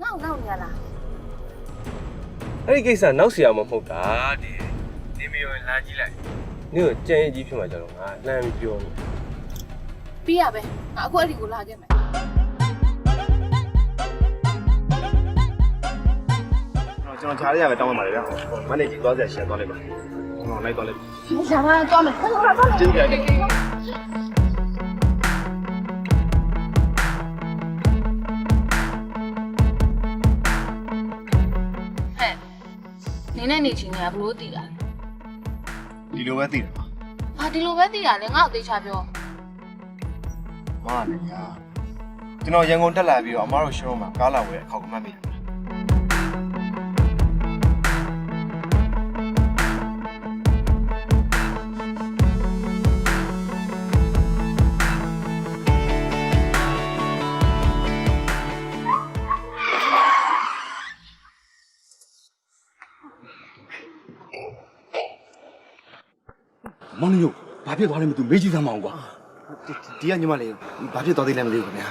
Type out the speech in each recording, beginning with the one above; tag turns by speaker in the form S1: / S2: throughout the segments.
S1: နောက်နေရလား
S2: အဲ့ဒီကိစ္စနောက်เสียမှာမဟုတ်တာဒီနေမရောလာကြည့်လိုက်နင့်ကိုကြံရည်ကြီးဖြစ်မှာကြတော့ငါလှမ်းပြီးပြောနေ
S1: ပြီးရပဲငါအခုအဲ့ဒီကိုလာခဲ့မယ်
S3: ကျွန်တော်ခြားရရပဲတောင်းပါပါလေဗျာမနေ့ကြီးသွားစရာရှင်းသွားလိုက်ပါဟောလိုက်သွားလိုက်
S1: ရှာမသွားမယ်ဆက်သွားမယ်
S3: ကျင်းကြတယ်
S1: ဟဲ့နင်းနဲ့နေချင်းကဘလို့တည်တာ
S3: ဒီလိုပဲသိတယ်ပါ
S1: ဘာဒီလိုပဲတည်တာလဲငါ့ကိုသိချပြော
S3: မားလည်းညာကျွန်တော်ရန်ကုန်တက်လာပြီးတော့အမားတို့ရှုံးမှာကားလာဝယ်အခေါက်ကမှတ်မိတယ်
S4: မောင်ညို့ဘာဖြစ်သွားလဲမသိဘူးမေးကြည့်သမ်းမအောင်ကွာ
S3: ဒီကညီမလေးဘာဖြစ်သွားသေးလဲမသိဘူးခင်ဗျာ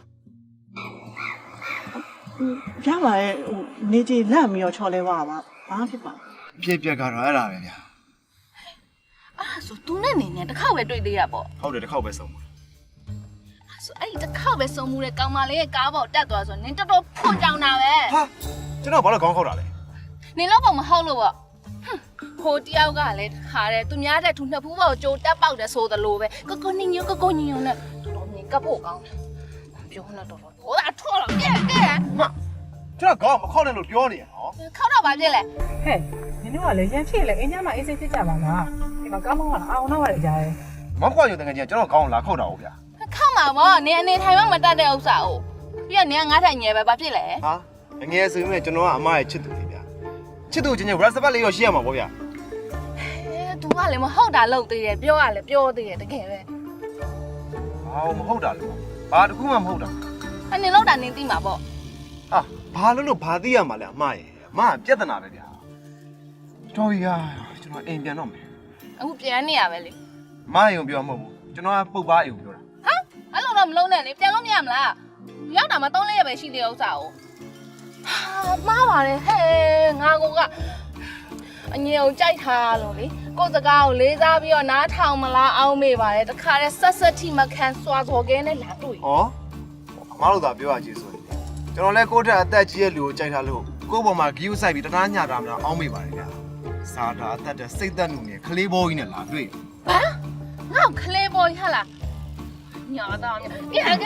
S5: ရပါရဲ့ဟိုနေကြီးလန့်ပြီးတော့ချော်လဲသွားတာဘာဖြစ်ပါ
S3: ဖြစ်ပြက်ကတော့အဲ့ဒါပဲဗျာ
S1: အဲ့ဒါဆို तू နဲ့နေနဲ့တစ်ခေါက်ပဲတွေ့သေးရပေါ့
S3: ဟုတ်တယ်တစ်ခေါက်ပဲဆုံးပါ
S1: အဲ့ဆိုအဲ့ဒီတစ်ခေါက်ပဲစုံမှုတဲ့ကောင်မလေးရဲ့ကားပေါ်တက်သွားဆိုနင်တော်တော်ဖွန်ကြောင်တာပဲ
S3: ဟာကျွန်တော်ဘာလို့ခေါင်းခောက်တာလဲ
S1: နင်တော့ပုံမဟုတ်လို့ပေါ့ဟိုတယောက်ကလည်းခါတယ်သူများတဲ့သူနှစ်ဖူးပေါ်ကြိုတက်ပေါက်တယ်ဆိုသလိုပဲကိုနင်းညကိုညင်နဲ့တော်တော်မြင်ကပ်ဖို့ကောင်းတယ်ပြောနေတော့ဟိုအထော်တော့ကဲ
S3: ကျွန်တော်ခေါင်းမခောက်နဲ့လို့ပြောနေရနော်
S1: ခောက်တော့ပါပြစ်လဲ
S5: ဟဲ့နင်တို့ကလည်းရမ်းဖြစ်လေအင်းညမှာအေးစိတ်ဖြစ်ကြပါလားဒီမှာကားမောင်းကအောင်တော့ရတယ်ကြားရဲ
S3: မောက်ကွာရုံတကယ်ကြီးကျွန်တော်ခေါင်းလာခောက်တာဟုတ်ဗျာ
S1: ခောက်မှာပေါ့နင်အနေထိုင်မှမတတ်တဲ့ဥစ္စာကိုပြီးတော့နင်ကငါးထိုင်ငယ်ပဲဘာဖြစ်လဲ
S3: ဟာအငယ်ဆိုရင်လည်းကျွန်တော်ကအမရဲ့ချစ်သူလေးဗျာချစ်သူချင်းချင်း WhatsApp လေးရောရှိရမှာပေါ့ဗျာ
S1: သူကလည်းမဟုတ်တာလုပ်သေးတယ်ပြောရလဲပြောသေးတယ်တကယ်ပဲ
S3: ဟာမဟုတ်တာလို့ဘာတခုမှမဟုတ်တာ
S1: အဲ့နင်လောက်တာနင်သိမှာပေါ့
S3: ဟာဘာလို့ဘာသိရမှာလဲအမရဲ့အမကပြဿနာပဲဗျာတော်ရကျွန်တော်အိမ်ပြန်တော့မယ်
S1: အခုပြန်နေရပဲလေ
S3: မအိမ်ကိုပြောမှာမဟုတ်ဘူးကျွန်တော်ကပုတ်ပါအိမ်ကိုပြောတာ
S1: ဟာအဲ့လိုတော့မလုံးနဲ့လေပြန်လို့မရမလားရောက်တာမှ3-4ရက်ပဲရှိသေးတဲ့ဥစ္စာကိုဟာမှားပါတယ်ဟဲ့ငါကအငြင်းကိုကြိုက်ထားလို့လေကိုယ်စကားကိုလေးစားပြီးတော့နားထောင်မလားအောင်းမေးပါတယ်တခါတည်းဆက်ဆက်ထိမခံစွာစော်ကဲနဲ့လာတွေ့
S3: ဟောအမတို့သာပြောရကြည့်ဆိုရင်ကျွန်တော်လဲကိုယ့်တက်အသက်ကြီးရဲ့လူကိုကြိုက်ထားလို့ကိုယ့်ဘောမှာဂီးယူဆိုင်ပြီးတနာညတာမလားအောင်းမိပါတယ်ဗျာစာတာအသက်တဲ့စိတ်သက်မှုနဲ့ခလေးဘောကြီးနဲ့လာတွေ့
S1: ဘာငါ့ကိုခလေးပေါ်ရလားညာတော့ကဲ
S3: ကျွန်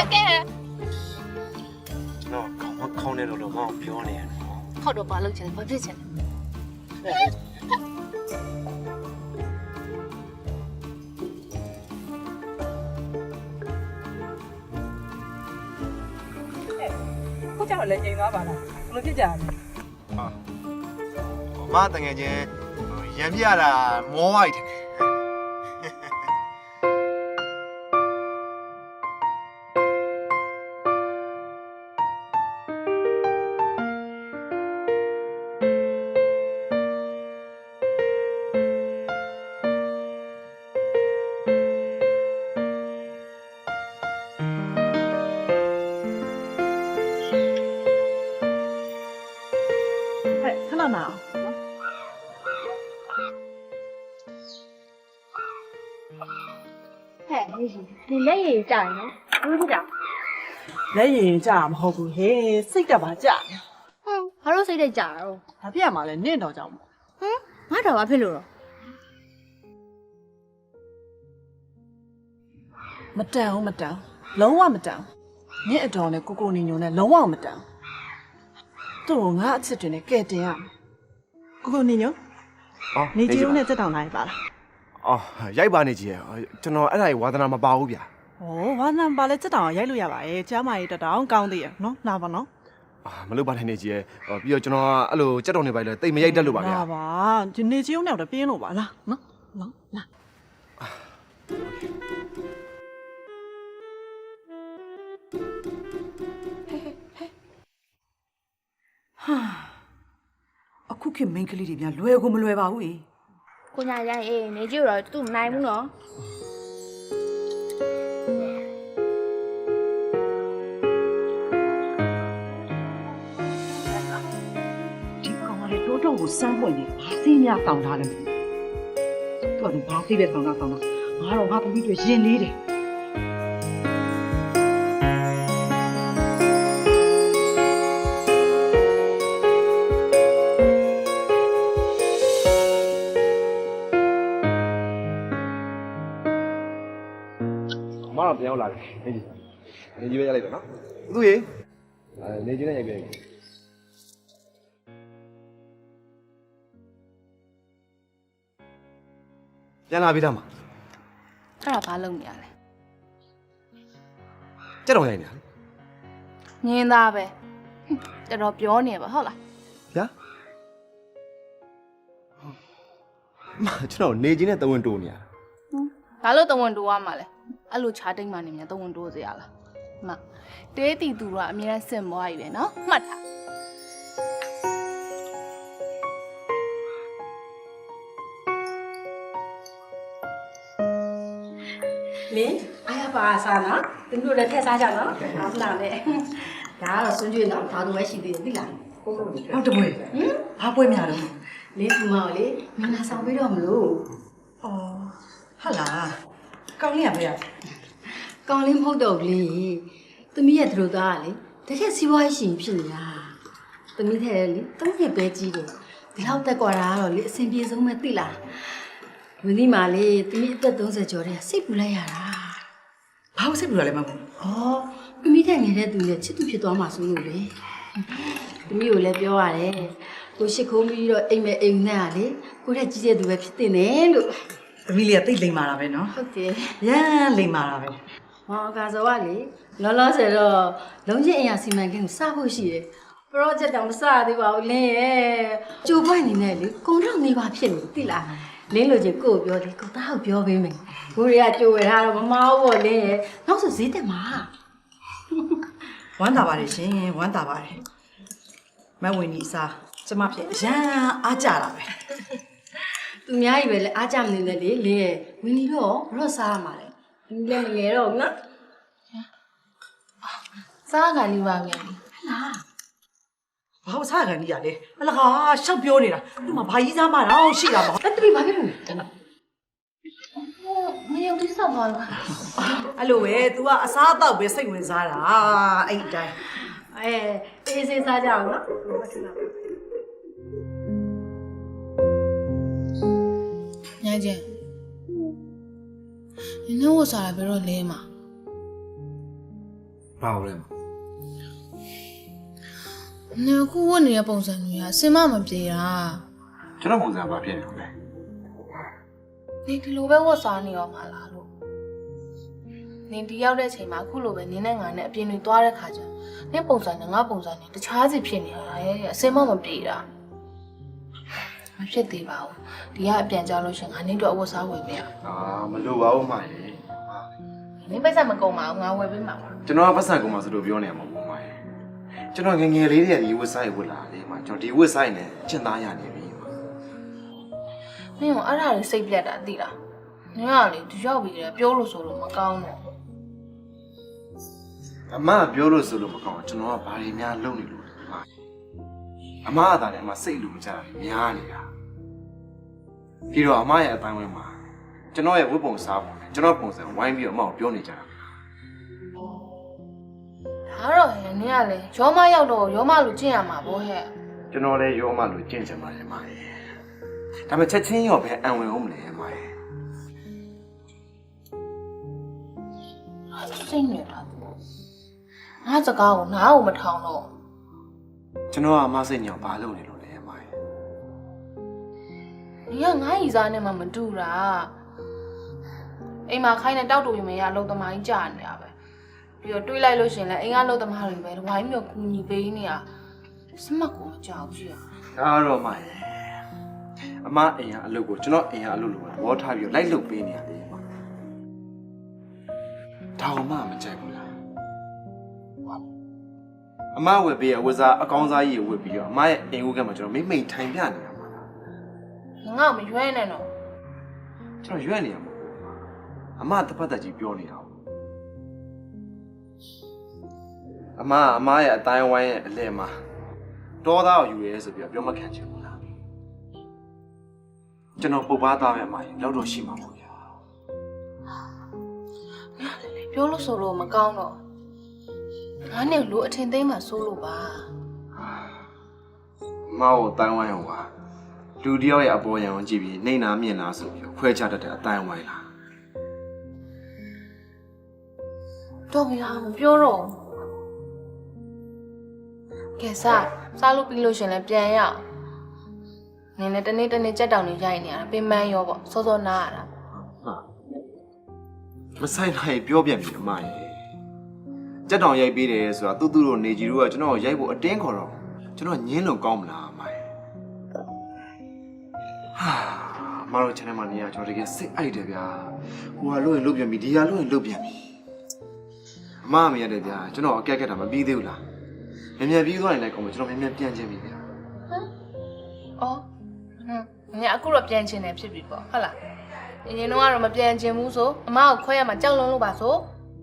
S3: တော်ခေါင်းနဲ့တော့မအောင်ပြောနေရနော်
S1: ဟုတ်တော့ဘာလုပ်ချင်လဲဘာဖြစ်ချင်လဲ
S5: ခုကြောက်လည်းငြိမ်သွားပါလားဘယ်လိုဖြစ်ကြလဲ
S3: ဟာမတငယ်ချင်းရံပြရတာမောဝိုက်တယ်
S5: ဟဲ့ခဏနာအောင်
S1: ဟဲ့နေရှင်ဒီလက်ရည်ကြာရင်နော်ဘူးဖြစ်တာ
S5: လက်ရင်ကြာမဟုတ်ဘူးဟဲ့စိတ်ကပါကြာ
S1: ဟမ်ဘာလို့စိတ်တက်ကြာတော့
S5: ဘာဖြစ်ရမှာလဲနင့်တော်ကြောင့်
S1: ဟမ်ငါတော့ဘာဖြစ်လို့တော့
S5: မတန်ဘူးမတန်လုံးဝမတန်နင့်အတော်နဲ့ကိုနေညုံနဲ့လုံးဝမတန်သူ့ကိုငါအချစ်တွေနဲ့ကဲတင်ရကိုနေညုံနေကြီးဦးနဲ့တက်တောင်လာရပါလား
S3: အော်ရိုက်ပါနေကြီးရကျွန်တော်အဲ့ဒါကြီးဝါသနာမပါဘူးဗျာ
S5: ။ဩဝါနံပါလဲတက်တောင်ရိုက်လို့ရပါရဲ့။ကျမ်းမာရေးတက်တောင်ကောင်းသေးရဲ့နော်။လာပါနော်
S3: မလုပ်ပါနဲ့နေကြီးရပြီးတော့ကျွန်တော်ကအဲ့လိုကြက်တော်နေပါလေတိတ်မရိုက်တတ်လို့ပါဗျာ
S5: လာပါ။ဒီနေကြီးဦးနဲ့တော့ပြင်းလို့ပါလားနော်။နော်လာ
S6: ဟာအခုခေတ်မိန်းကလေးတွေပြန်လွယ်ကိုမလွယ်ပါဘူး
S1: ကိုညာရိုင်းအေးနေကြည့်တော့သူ့မနိုင်ဘူးနော်
S6: တော့ကိုစမ်းပွင့်နေဘာသိများတောင်းထားလဲမသိဘူးသူကဘာသိပဲတောင်းတာငါတော့ငါသမီးတွေရင်လေးတယ်
S2: မတော့ပြန်ရောက်လာတယ်နေကြီးပဲရလိုက်တော့နော်
S3: သူ့ရေ
S2: နေကြီးနဲ့ရိုက်ပြန်ပြီ
S3: ပြန်လာပြီသားမ
S1: အဲ့ဒါဘာလုပ်နေရလဲ
S3: ကြက်တော်ရိုက်နေတာ
S1: ညင်းသားပဲတော်တော်ပြောနေပါဟုတ်လား
S3: ဗျာမကျွန်တော်နေချင်းနဲ့တဝင်းတိုးနေရ
S1: ဘာလို့တဝန်တိုးရမှာလဲအဲ့လိုခြားတိတ်မှနေမြန်တဝန်တိုးစရာလားမတေးတီသူတို့ကအမြဲတမ်းစင်မွားကြီးပဲနော်မှတ်ထား
S7: လင်းအားရပါစားနော်သူတို့လည်းထည့်စားကြနော်ဟုတ်လားလေဒါကတော့စွန့်ကြွေးနော်ဘာလို့ပဲရှိသေးတယ်သိလား
S6: ဟုတ်တယ်ဘွေဘာပွဲများတော့
S7: လင်းသူမောင်လေမင်းလာဆောင်ပြီးတော့မလို့
S6: ဩဟာလာကောင်းလေးရပဲ
S7: ကောင်းလေးမဟုတ်တော့ဘူးလေသမီးရဲ့သူတို့သားကလေတကယ်စီးပွားရေးရှင်ဖြစ်နေတာသမီးထဲလေ၃နှစ်ပဲကြီးတယ်ဒီလောက်တက်กว่าတာကတော့လေအဆင်ပြေဆုံးပဲသိလားမင်းဒီမှာလေသမီးအသက်30ကျော်တဲ့စိတ်ပူလိုက်ရတာ
S6: ဘာလို့စိတ်ပူရလဲမဟုတ်
S7: ဩသမီးထက်ငယ်တဲ့သူနဲ့ချစ်သူဖြစ်သွားမှာဆိုလို့လေသမီးကိုလည်းပြောရတယ်ကိုရှိခိုးပြီးတော့အိမ်မဲ့အိမ်နဲ့ကလေကိုတဲ့ကြီးတဲ့သူပဲဖြစ်တင်တယ်လို့
S6: သမီးလေးကတိတ်လိမ်မာတာပဲနော်
S7: ဟုတ်တယ်
S6: ရမ်းလိမ်မာတာပဲ
S7: ။ဟောအကာစောကလေလောလောဆယ်တော့လုံးချင်းအရာစီမံကိန်းကိုစဖို့ရှိတယ်။ project တောင်မစသေးပါဘူးလင်းရဲ့။ကြိုးပွင့်နေနဲ့လေကုန်တော့နေပါဖြစ်နေသိလား။လင်းလိုချင်ကို့ကိုပြောတယ်ကိုသားကိုပြောပေးမယ်။ကိုတွေကကြိုးဝယ်ထားတော့မမဟုတ်ဘောလင်းရဲ့။နောက်ဆိုဈေးတက်မှာ
S6: ဝမ်းသာပါတယ်ရှင်ဝမ်းသာပါတယ်မဝင်ကြီးအစားကျမဖြစ်ရမ်းအားကြတာပဲ
S7: ။သူများကြီးပဲလေအားကြမနေနဲ့လေလင်းရဲ့။ဝင်ပြီးတော့ရော့စားရမှာလေ။ဒီလည်းမငယ်တော့ဘူးနော်
S1: စားကန်လေးပါမြန်
S7: ။လား
S6: ဘာလို့စားကန်ကြီးရလဲအလကားရှောက်ပြောနေတာသူ့မှာဘာကြီးစားမှတော့ရှိတာမဟုတ်
S7: ။အဲ့တပည့်ဘာဖြစ်လို့လဲ
S1: မယုံတိဆောက်ပါလား
S6: အဲ့လိုပဲ तू ကအစားအသောက်ပဲစိတ်ဝင်စားတာအဲ့ဒီတိုင်း
S7: ။အေးစေးစားကြအောင်နော်။
S1: ညကျန်နင်တို့စားရဘယ်တော့လဲမှာ
S3: ဘာလို့လဲ
S1: နင်အခုဝတ်နေတဲ့ပုံစံမျိုးကအစင်မမပြေတာ
S3: ကျွန်တော်ပုံစံဘာဖြစ်နေလဲ
S1: နင်ဒီလိုပဲဝတ်စားနေရောမှာလားလို့နင်ဒီရောက်တဲ့အချိန်မှာအခုလိုပဲနင်နဲ့ငါနဲ့အပြင်တွေသွားတဲ့ခါကျနင်ပုံစံနဲ့ငါပုံစံနဲ့တခြားစီဖြစ်နေတာရဲ့အစင်မမပြေတာမဖြစ်သေးပါဘူးဒီကအပြန်ကြလို့ရှင်ငါနင်တို့အဝတ်စားဝယ်ပေးရ
S3: မလိုပါဘူးမရေ
S1: နင်ပိတ်ဆက်မကုန်ပါဘူးငါဝယ်ပေးမှာပါ
S3: ကျွန်တော်ကပတ်စံကုန်မှာဆိုလို့ပြောနေမှာပေါ့မရေကျွန်တော်ငငယ်လေးတွေကဒီဝက်ဆိုင်ဝက်လာလေမကျွန်တော်ဒီဝက်ဆိုင်နဲ့ကျင့်သားရနေပြီ
S1: နင်ကအဲ့ဒါလေးစိတ်ပြတ်တာသိလားနင်ကလေဒီရောက်ပြီးတယ်ပြောလို့ဆိုလို့မကောင်းတော့
S3: အမပြောလို့ဆိုလို့မကောင်းကျွန်တော်ကဘာတွေများလုပ်နေလို့အမကသာလည်းအမစိတ်လူမကြတာများနေတာပြီးတော့အမရဲ့အတိုင်းဝဲမှာကျွန်တော်ရဲ့ဝတ်ပုံစားပုံနဲ့ကျွန်တော်ပုံစံဝိုင်းပြီးတော့အမကိုပြောနေကြတာ
S1: ဒါတော့ဟဲ့နင်ကလေရောမရောက်တော့ရောမလူကျင့်ရမှာဗောဟဲ့
S3: ကျွန်တော်လည်းရောမလို့ကျင့်ချင်ပါတယ်မရေဒါပေမဲ့ချက်ချင်းရောပဲအံဝင်အောင်မလဲမရေ
S1: စိတ်နေတာငါစကားကိုနားကိုမထောင်တော့
S3: ကျွန်တော်ကအမစိတ်ညောင်ဘာလုပ်နေလို့လဲမရေ
S1: နင်ကငါ့ရီစားနဲ့မှမတူတာအိမ်မှာခိုင်းတဲ့တောက်တူရင်မရအလုံးသမားကြီးကြာနေတာပဲပြီးတော့တွေးလိုက်လို့ရှင်လဲအိမ်ကလုံးသမားတွေပဲဝိုင်းပြီးကူညီပေးနေတာစမတ်ကိုမကြောက်ဘူးရ
S3: ဒါတော့မရေအမအိမ်ကအလုပ်ကိုကျွန်တော်အိမ်ကအလုပ်လို့သဘောထားပြီးလိုက်လုပ်ပေးနေရတယ်မဒါကမှမကြိုက်ဘူးလားအမဝယ်ပေးရဝက်စားအကောင်းစားကြီးကိုဝယ်ပြီးတော့အမရဲ့အိမ်ဦးကမှကျွန်တော်မိမ့်ထိုင်ပြနေတာမှာ
S1: ငါ့ကိုမရွေးနဲ့တော့
S3: ကျွန်တော်ရွက်နေရမှာအမတပတ်သက်ကြီးပြောနေတာအမရဲ့အတိုင်းဝိုင်းရဲ့အလဲမှာတောသားကိုယူရဲဆိုပြီးတော့ပြောမခံချင်ဘူးလားကျွန်တော်ပုတ်ပါသားပဲအမကြီးလောက်တော့ရှိမှာပေါ့ဗျာ
S1: ပြောလို့ဆိုလို့မကောင်းတော့ငါနဲ့လူအထင်သိမ်းမှစိုးလို့ပါ
S3: အမကိုတန်းဝိုင်းအောင်ပါလူတယောက်ရဲ့အပေါ်ယံကိုကြည့်ပြီးနှိမ့်နာမြင်လားဆိုပြီးခွဲခြားတတ်တဲ့အတိုင်းဝိုင်းလား
S1: တော့ဗျာမပြောတော့ကဲစားလို့ပြီးလို့ရှင်လည်းပြန်ရအောင်နင်းလည်းတနေ့ကြက်တောင်နေရိုက်နေရတာပင်မန်းရောပေါ့စောစောနားရတာ
S3: ဟာမဆိုင်နိုင်ပြောပြန်ပြီအမရေကြက်တောင်ရိုက်ပေးတယ်ဆိုတာသူ့တို့နေကြီးတို့ကကျွန်တော်ရိုက်ဖို့အတင်းခေါ်တော့ကျွန်တော်ညင်းလို့ကောင်းမလားအမရေဟာမတော် channel မှာနေရကျွန်တော်တကယ်စိတ်အိုက်တယ်ဗျာဟိုကလို့ရင်လုတ်ပြန်ပြီဒီကလို့ရင်လုတ်ပြန်ပြီအမမရတယ်ဗျာကျွန်တော်အကဲကက်တာမပြီးသေးဘူးလားမြန်မြန်ပြီးသွားရင်လည်းကောင်းမယ်ကျွန်တော်မြန်မြန်ပြန်ချင်းပြီဗျာ
S1: အော်ညအခုတော့ပြန်ချင်တယ်ဖြစ်ပြီပေါ့ဟုတ်လားရင်တော့ကတော့မပြန်ချင်ဘူးဆိုအမကိုခွဲရမှာကြောက်လွန်းလို့ပါဆို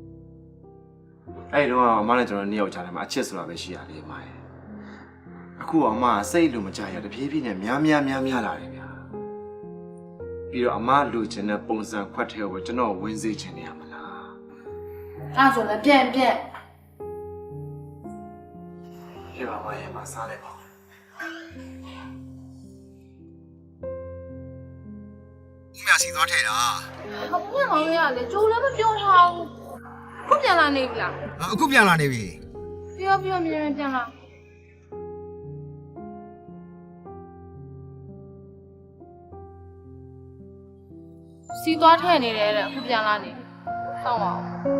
S3: အဲ့တော့အမနဲ့ကျွန်တော်နှစ်ယောက်ကြားထဲမှာအချစ်ဆိုတာပဲရှိရတယ်အမရေအခုအမစိတ်လို့မကြရတဖြည်းဖြည်းနဲ့များလာတယ်ဗျာပြီးတော့အမလူချင်တဲ့ပုံစံခွက်ထဲကိုကျွန်တော်ဝင်စေချင်နေရမလား
S1: အဲ့ဆိုလည်းပြန်
S3: ပြပါမရေမစားလိုက်ပါဦးမစီသွားထဲတာ
S1: ဘာပြန်အောင်ရလဲကြိုးလည်းမပြောထားဘူးခုပြန်လာနေပြီလား
S4: အခုပြန်လာနေပြီ
S1: ပြောမြန်ပြန်လာစီသွားထဲနေတယ်တဲ့အခုပြန်လာနေစောင့်ပါဦး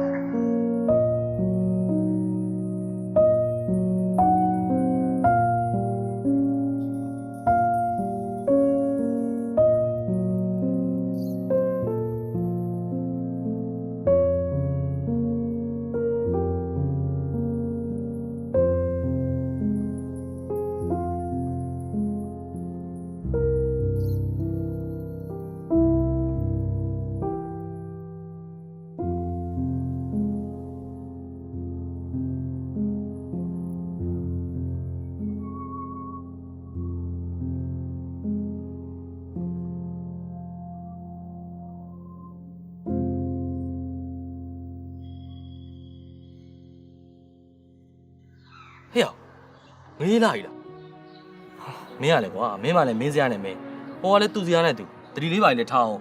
S8: ဟေ့ငေးလာပြီလားမင်းရလေကွာမင်းမလည်းမင်းစရာနဲ့မင်းဟိုကလည်းသူ့စရာနဲ့သူတတိလေးပါလေထားအောင်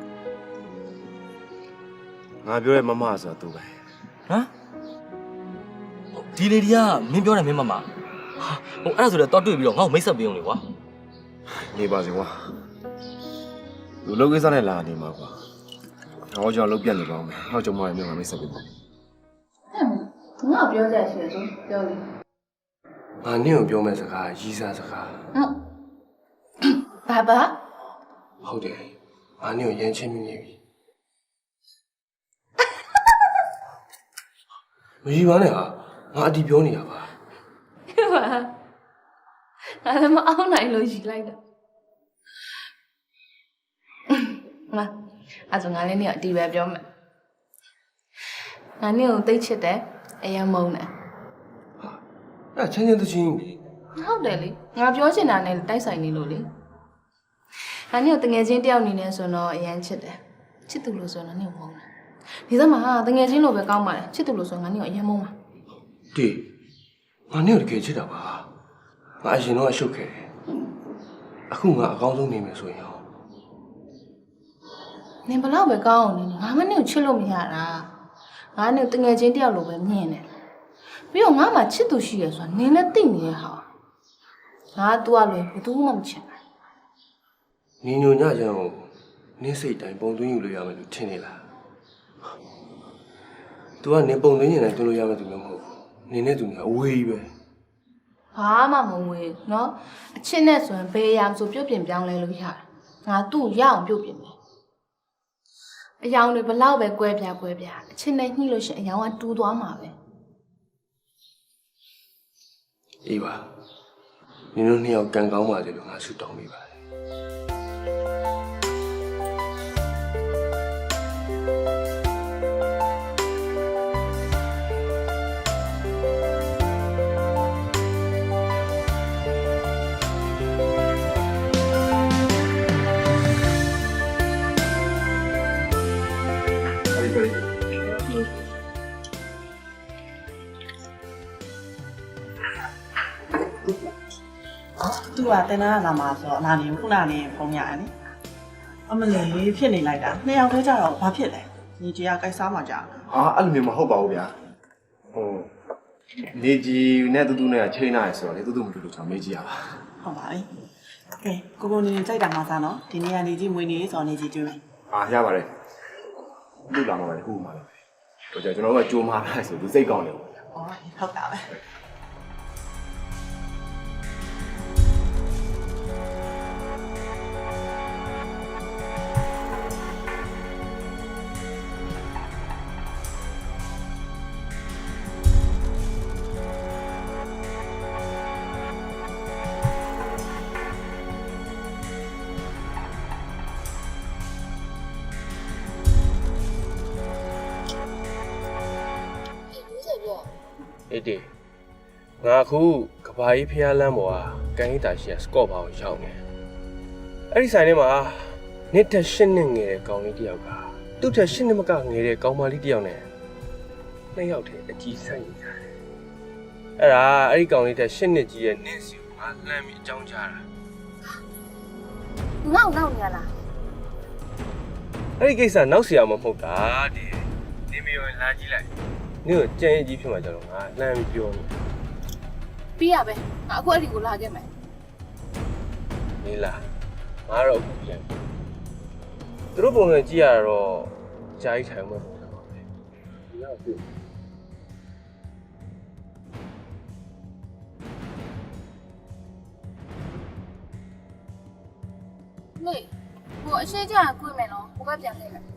S2: ငါပြောတဲ့မမဆိုတာသူပဲ
S8: ဟမ်ဒီလေဒီကမင်းပြောတယ်မင်းမမဟိုအဲ့ဒါဆိုတော့တွေ့ပြီးတော့ငါ့ကိုမိတ်ဆက်ပေးအောင်လေကွာ
S2: နေပါစေကွာလူလုံးကိစ္စနဲ့လာနေမှာကွာဟောကြောင့်လုံးပြတ်နေပါအောင်မယ်ဟောကြောင့်မရမြို့မှာမိတ်ဆက်ပေးပါ
S1: ငါပြောကြရှိရဆိုပြောလေ
S2: ငါနင့်ကိုပြောမယ့်စကားရီးစားစကား
S1: ဘာ
S2: ဟုတ်တယ်ငါနင့်ကိုရမ်းချင်းမိနေပြီမကြီးပါနဲ့ဟာငါအတီပြောနေတာပါ
S1: ဖြစ်ပါငါလည်းမအောင်နိုင်လို့ယူလိုက်တော့ငါအဲ့ဆိုငါလည်းနေအတီပဲပြောမယ်ငါနေကိုသိချစ်တယ်အရင်မုန်းတယ်
S2: အဲ့ချင်းချင်းတချင်းကြီး
S1: ဟုတ်တယ်လေငါပြောချင်တာနဲ့တိုက်ဆိုင်နေလို့လေငါနေကိုတငယ်ချင်းတယောက်အနေနဲ့ဆိုတော့အရင်ချစ်တယ်ချစ်သူလို့ဆိုတော့နေကိုမုန်းတယ်ဒီစက်မှာတငယ်ချင်းလိုပဲကောင်းပါလေချစ်သူလို့ဆိုငါနေကိုအရင်မုန်းပါ
S2: ဒီငါနင့်ကိုတကယ်ချစ်တာပါငါအရင်တော့အရှုပ်ခဲ့တယ်အခုငါအကောင်းဆုံးနေမယ်ဆိုရင်ရော
S1: နင်ဘလောက်ပဲကောင်းအောင်နေငါမနဲ့ကိုချစ်လို့မရတာငါနဲ့တငယ်ချင်းတယောက်လိုပဲမြင်တယ်ပြီးတော့ငါမှချစ်သူရှိရဆိုတာနင်လည်းသိနေတဲ့ဟာငါတူရလွယ်ဘယ်သူမှမချစ်ဘူး
S2: ညီညွတ်ညချမ်းကိုနင်းစိတ်တိုင်းပုံသွင်းယူလို့ရမယ်လို့ထင်နေလား तू ကနင်ပုံသွင်းနေတယ်တွင်းလို့ရမယ်သူမျိုးမဟုတ်ဘူးနင်နဲ့သူကအဝေးကြီးပဲ
S1: ဘာမှမဝေးနော်အချစ်နဲ့ဆိုရင်ဘယ်အရာမှဆိုပြုတ်ပြင်ပြောင်းလဲလို့ရတယ်ငါသူ့ရအောင်ပြုတ်ပြင်မယ်အယောင်တွေဘလောက်ပဲကွဲပြားအချစ်နဲ့ညှိလို့ရှိရင်အယောင်ကတူးသွားမှာပဲ
S2: အေးပါနင်တို့နှစ်ယောက်ကံကောင်းပါစေလို့ငါဆုတောင်းပေးပါတယ်
S5: သူကတင်နာလာမှာဆိုတော့လာနေခုနနေဖုန်းရတယ်နိအမလေးဖြစ်နေလိုက်တာနှစ်ယောက်တည်းကြတော့ဘာဖြစ်လဲညီကြီးကကြိုက်စားမှကြာ
S3: အာအဲ့လိုမျိုးမဟုတ်ပါဘူးဗျာဟိုနေကြီးနဲ့တူတူနဲ့ချိန်လာရဆိုတော့လေတူတူမတူတူကျွန်တော်မေးကြည့်ရပါ
S5: ဟုတ်ပါပြီကဲကိုနေကြိုက်တာမှစားနော်ဒီနေ့ကနေကြီးမွေးနေဆိုတော့နေကြီးကျွေးမယ်
S3: အာရပါတယ်လူလာမှာပဲခုမှလည်းတော့ကျွန်တော်ကကြိုးမာလိုက်ဆိုသူစိတ်ကောင်းတယ်ပေါ့
S5: อ๋อဟုတ်တာပဲ
S2: အေးဒီငါအခုကဘာကြီးဖျားလမ်းပေါ်ကကန်ဟိတာရှိရစကော့ဘာကိုရောက်နေအဲ့ဒီဆိုင်ထဲမှာနှစ်ထက်8နှစ်ငယ်တဲ့ကောင်လေးတစ်ယောက်ကသူ့ထက်8နှစ်မကငယ်တဲ့ကောင်မလေးတစ်ယောက်နဲ့နှစ်ယောက်တည်းအကြီးဆိုင်နေကြတယ်အဲ့ဒီကောင်လေးထက်8နှစ်ကြီးရဲ့နင်းစီကိုငါလှမ်းပြီးအကြောင်းကြားတာ
S1: ငေါ့နောက်နေရလား
S2: အဲ့ဒီကိစ္စနောက်เสียမှာမဟုတ်တာဒီနေမရောလာကြည့်လိုက်နင်းကိုကြံ့ရကြီးဖြစ်မှာကြတော့ငါလှမ်းပြီးပြောနေ
S1: ပြီးရပဲငါအခုအဲ့ဒီကိုလာခဲ့မယ်
S2: နေလားငါတော့အခုပြန်ပြီသူတို့ပုံစံကြည့်ရတော့ကြားကြီးထိုင်မှာပုံစံပါပဲဒီတော့ပြီ
S1: မေဟိုအရှိကြကွေးမယ်နော်ဟိုဘက်ပြန်ခဲ့မယ်